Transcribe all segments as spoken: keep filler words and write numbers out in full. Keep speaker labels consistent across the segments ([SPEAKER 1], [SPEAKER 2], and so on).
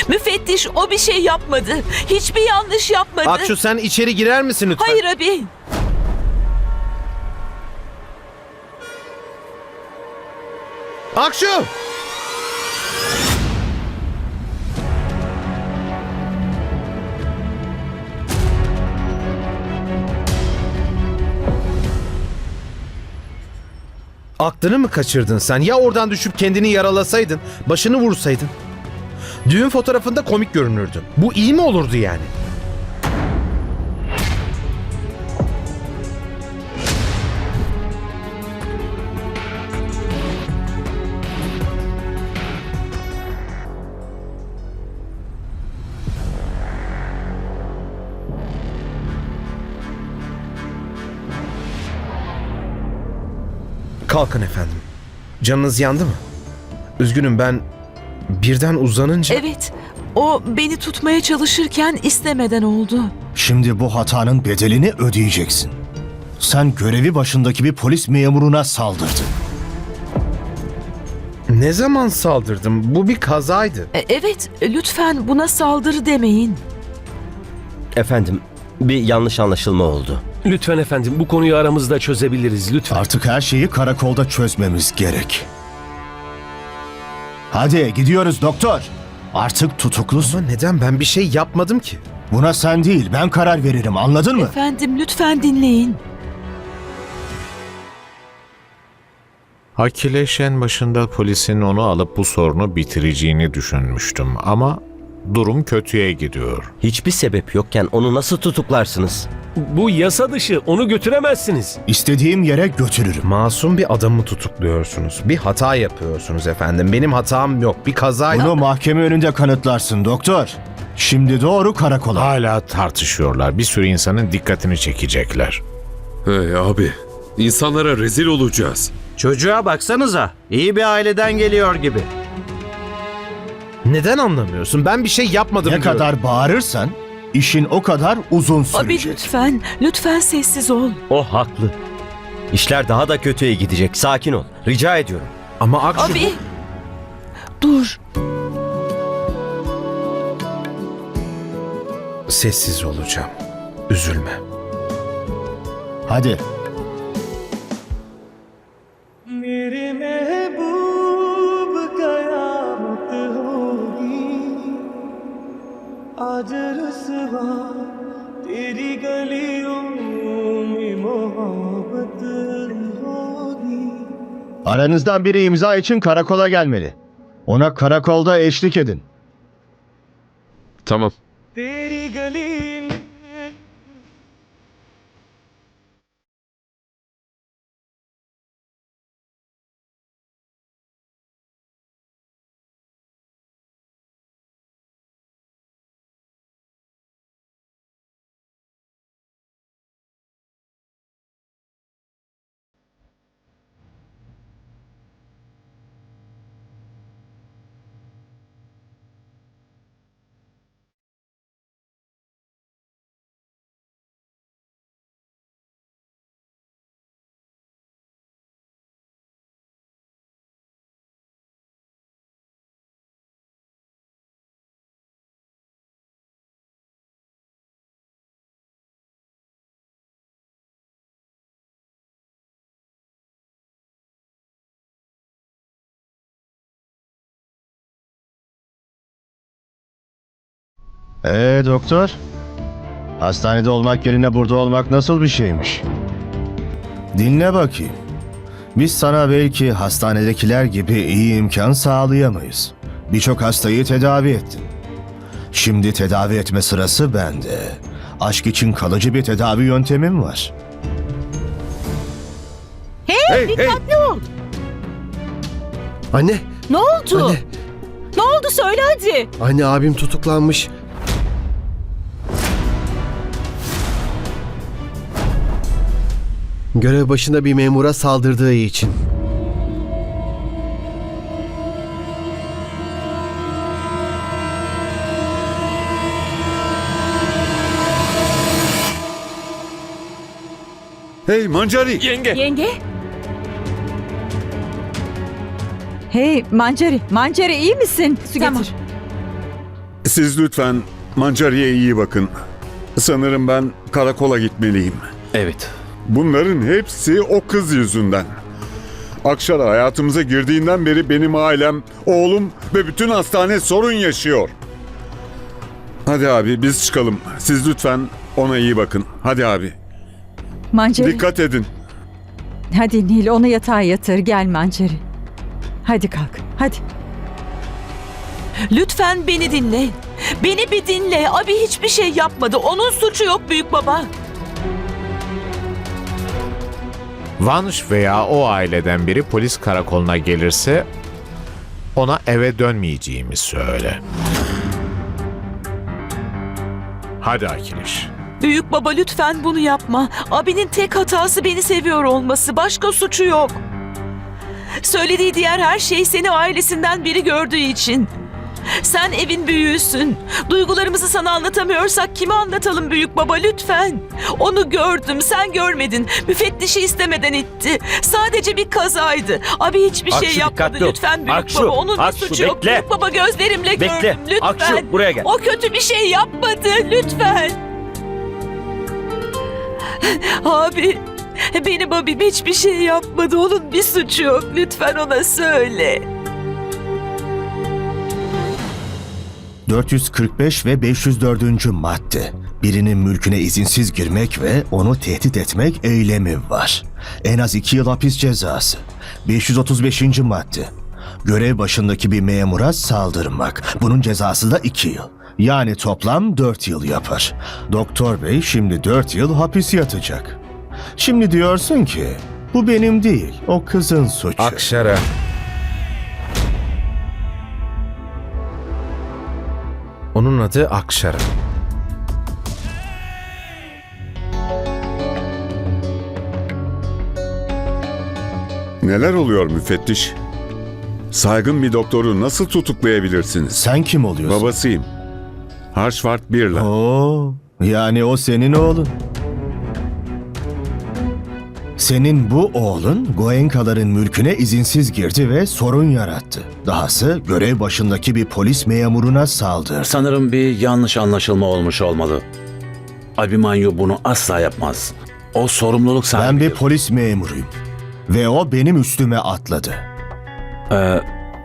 [SPEAKER 1] Müfettiş o bir şey yapmadı. Hiçbir yanlış yapmadı.
[SPEAKER 2] Akşu sen içeri girer misin lütfen?
[SPEAKER 1] Hayır abi.
[SPEAKER 2] Akşu! Aklını mı kaçırdın sen? Ya oradan düşüp kendini yaralasaydın, başını vursaydın? Düğün fotoğrafında komik görünürdün. Bu iyi mi olurdu yani? Kalkın efendim. Canınız yandı mı? Üzgünüm, ben birden uzanınca...
[SPEAKER 1] Evet. O beni tutmaya çalışırken istemeden oldu.
[SPEAKER 3] Şimdi bu hatanın bedelini ödeyeceksin. Sen görevi başındaki bir polis memuruna saldırdın.
[SPEAKER 2] Ne zaman saldırdım? Bu bir kazaydı.
[SPEAKER 1] E, Evet, lütfen buna saldırı demeyin.
[SPEAKER 4] Efendim, bir yanlış anlaşılma oldu.
[SPEAKER 5] Lütfen efendim, bu konuyu aramızda çözebiliriz lütfen.
[SPEAKER 3] Artık her şeyi karakolda çözmemiz gerek. Hadi gidiyoruz doktor. Artık tutuklusun.
[SPEAKER 2] Ama neden? Ben bir şey yapmadım ki.
[SPEAKER 3] Buna sen değil, ben karar veririm, anladın mı?
[SPEAKER 1] Efendim lütfen dinleyin.
[SPEAKER 6] Akileş en başında polisin onu alıp bu sorunu bitireceğini düşünmüştüm ama durum kötüye gidiyor.
[SPEAKER 4] Hiçbir sebep yokken onu nasıl tutuklarsınız?
[SPEAKER 5] Bu yasa dışı, onu götüremezsiniz.
[SPEAKER 3] İstediğim yere götürürüm.
[SPEAKER 2] Masum bir adamı tutukluyorsunuz. Bir hata yapıyorsunuz efendim. Benim hatam yok. Bir kazaydı.
[SPEAKER 3] Bunu mahkeme önünde kanıtlarsın doktor. Şimdi doğru karakola.
[SPEAKER 6] Hala tartışıyorlar. Bir sürü insanın dikkatini çekecekler.
[SPEAKER 7] Hey abi, insanlara rezil olacağız.
[SPEAKER 8] Çocuğa baksanıza. İyi bir aileden geliyor gibi.
[SPEAKER 2] Neden anlamıyorsun? Ben bir şey yapmadım
[SPEAKER 3] Ne
[SPEAKER 2] diyorum.
[SPEAKER 3] kadar bağırırsan işin o kadar uzun
[SPEAKER 1] Abi
[SPEAKER 3] sürecek.
[SPEAKER 1] lütfen, lütfen sessiz ol.
[SPEAKER 4] O haklı. İşler daha da kötüye gidecek. Sakin ol. Rica ediyorum.
[SPEAKER 2] Ama Akşu...
[SPEAKER 1] Abi, dur.
[SPEAKER 2] Sessiz olacağım. Üzülme.
[SPEAKER 3] Hadi.
[SPEAKER 9] मेरे महबूब कयामत होगी आज रुसवा तेरी गलियों में मोहब्बत होगी.
[SPEAKER 3] Aranızdan biri imza için karakola gelmeli. Ona karakolda eşlik edin.
[SPEAKER 7] Tamam.
[SPEAKER 9] तेरी गली में
[SPEAKER 3] Ee doktor? Hastanede olmak yerine burada olmak nasıl bir şeymiş? Dinle bakayım. Biz sana belki hastanedekiler gibi iyi imkan sağlayamayız. Birçok hastayı tedavi ettin. Şimdi tedavi etme sırası bende. Aşk için kalıcı bir tedavi yöntemim var.
[SPEAKER 1] Hey, dikkatli ol.
[SPEAKER 10] Anne,
[SPEAKER 1] Ne oldu?
[SPEAKER 10] Anne.
[SPEAKER 1] Ne oldu söyle hadi.
[SPEAKER 10] anne abim tutuklanmış. Görev başında bir memura saldırdığı için.
[SPEAKER 7] Hey Mancari.
[SPEAKER 5] Yenge.
[SPEAKER 1] Yenge?
[SPEAKER 11] Hey Mancari, Mancari iyi misin? Su
[SPEAKER 1] Tamam.
[SPEAKER 11] getir. Siz lütfen Mancari'ye iyi bakın. Sanırım ben karakola gitmeliyim.
[SPEAKER 8] Evet.
[SPEAKER 11] Bunların hepsi o kız yüzünden. Akşara hayatımıza girdiğinden beri benim ailem, oğlum ve bütün hastane sorun yaşıyor. Hadi abi biz çıkalım. Siz lütfen ona iyi bakın. Hadi abi.
[SPEAKER 12] Mancari.
[SPEAKER 11] Dikkat edin.
[SPEAKER 12] Hadi Nil, onu yatağa yatır. Gel Mancari. Hadi kalk. Hadi.
[SPEAKER 1] Lütfen beni dinle. Beni bir dinle. Abi hiçbir şey yapmadı. Onun suçu yok büyük baba.
[SPEAKER 6] Vanş veya o aileden biri polis karakoluna gelirse ona eve dönmeyeceğimi söyle. Hadi Akiliş.
[SPEAKER 1] Büyük baba lütfen bunu yapma. Abinin tek hatası beni seviyor olması. Başka suçu yok. Söylediği diğer her şey seni ailesinden biri gördüğü için. Sen evin büyüğüsün. Duygularımızı sana anlatamıyorsak kime anlatalım büyük baba lütfen. Onu gördüm, sen görmedin. Müfettişi istemeden itti. Sadece bir kazaydı. Abi hiçbir
[SPEAKER 4] Akşu,
[SPEAKER 1] şey yapmadı
[SPEAKER 4] dikkatli ol.
[SPEAKER 1] lütfen büyük
[SPEAKER 4] Akşu,
[SPEAKER 1] baba. Onun bir
[SPEAKER 4] Akşu,
[SPEAKER 1] suçu yok
[SPEAKER 4] bekle.
[SPEAKER 1] büyük baba. Gözlerimle
[SPEAKER 4] Bekle.
[SPEAKER 1] gördüm lütfen.
[SPEAKER 4] Akşu, buraya gel.
[SPEAKER 1] O kötü bir şey yapmadı lütfen. Abi, benim abim hiçbir şey yapmadı. Onun bir suçu yok. Lütfen ona söyle.
[SPEAKER 3] dört yüz kırk beş ve beş yüz dördüncü madde. Birinin mülküne izinsiz girmek ve onu tehdit etmek eylemi var. En az iki yıl hapis cezası. beş yüz otuz beşinci madde. Görev başındaki bir memura saldırmak. Bunun cezası da iki yıl. Yani toplam dört yıl yapar. Doktor bey şimdi dört yıl hapis yatacak. Şimdi diyorsun ki bu benim değil, o kızın suçu.
[SPEAKER 2] Akşara. Onun adı Akşara.
[SPEAKER 11] Neler oluyor müfettiş? Saygın bir doktoru nasıl tutuklayabilirsiniz?
[SPEAKER 3] Sen kim oluyorsun?
[SPEAKER 11] Babasıyım. Harshvart Birla.
[SPEAKER 3] Oo, yani o senin oğlun. Senin bu oğlun Goenkaların mülküne izinsiz girdi ve sorun yarattı. Dahası görev başındaki bir polis memuruna saldırdı.
[SPEAKER 8] Sanırım bir yanlış anlaşılma olmuş olmalı. Abimanyu bunu asla yapmaz. O sorumluluk sahibi.
[SPEAKER 3] Ben bir polis memuruyum. Ve o benim üstüme atladı.
[SPEAKER 8] Ee,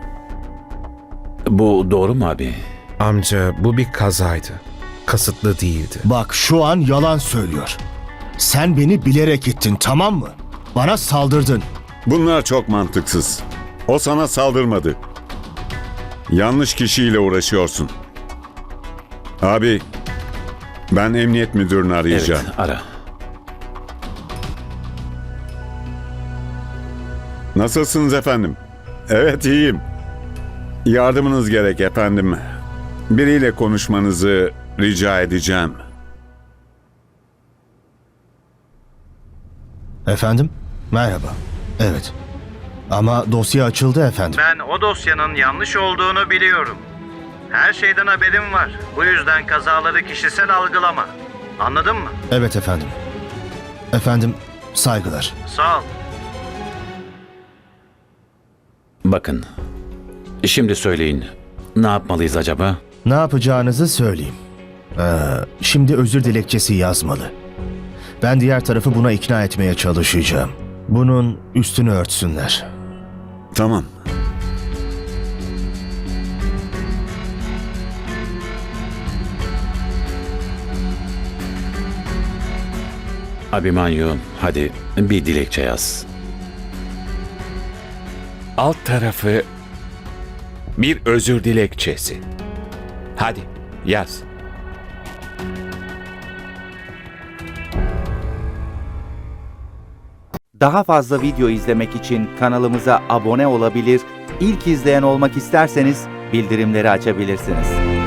[SPEAKER 8] bu doğru mu abi?
[SPEAKER 2] Amca bu bir kazaydı. Kasıtlı değildi.
[SPEAKER 3] Bak şu an yalan söylüyor. Sen beni bilerek gittin, tamam mı? Bana saldırdın.
[SPEAKER 11] Bunlar çok mantıksız. O sana saldırmadı. Yanlış kişiyle uğraşıyorsun. Abi, ben emniyet müdürünü arayacağım.
[SPEAKER 8] Evet, ara.
[SPEAKER 11] Nasılsınız efendim? Evet, iyiyim. Yardımınız gerek efendim. Biriyle konuşmanızı rica edeceğim.
[SPEAKER 3] Efendim? Merhaba. Evet. Ama dosya açıldı efendim.
[SPEAKER 8] Ben o dosyanın yanlış olduğunu biliyorum. Her şeyden haberim var. Bu yüzden kazaları kişisel algılama. Anladın mı?
[SPEAKER 3] Evet efendim. Efendim, saygılar.
[SPEAKER 8] Sağ ol. Bakın, şimdi söyleyin. Ne yapmalıyız acaba?
[SPEAKER 3] Ne yapacağınızı söyleyeyim. Ee, şimdi özür dilekçesi yazmalı. Ben diğer tarafı buna ikna etmeye çalışacağım. Bunun üstünü örtsünler.
[SPEAKER 11] Tamam.
[SPEAKER 8] Abimanyu, hadi bir dilekçe yaz.
[SPEAKER 13] Alt tarafı bir özür dilekçesi. Hadi yaz.
[SPEAKER 14] Daha fazla video izlemek için kanalımıza abone olabilir, ilk izleyen olmak isterseniz bildirimleri açabilirsiniz.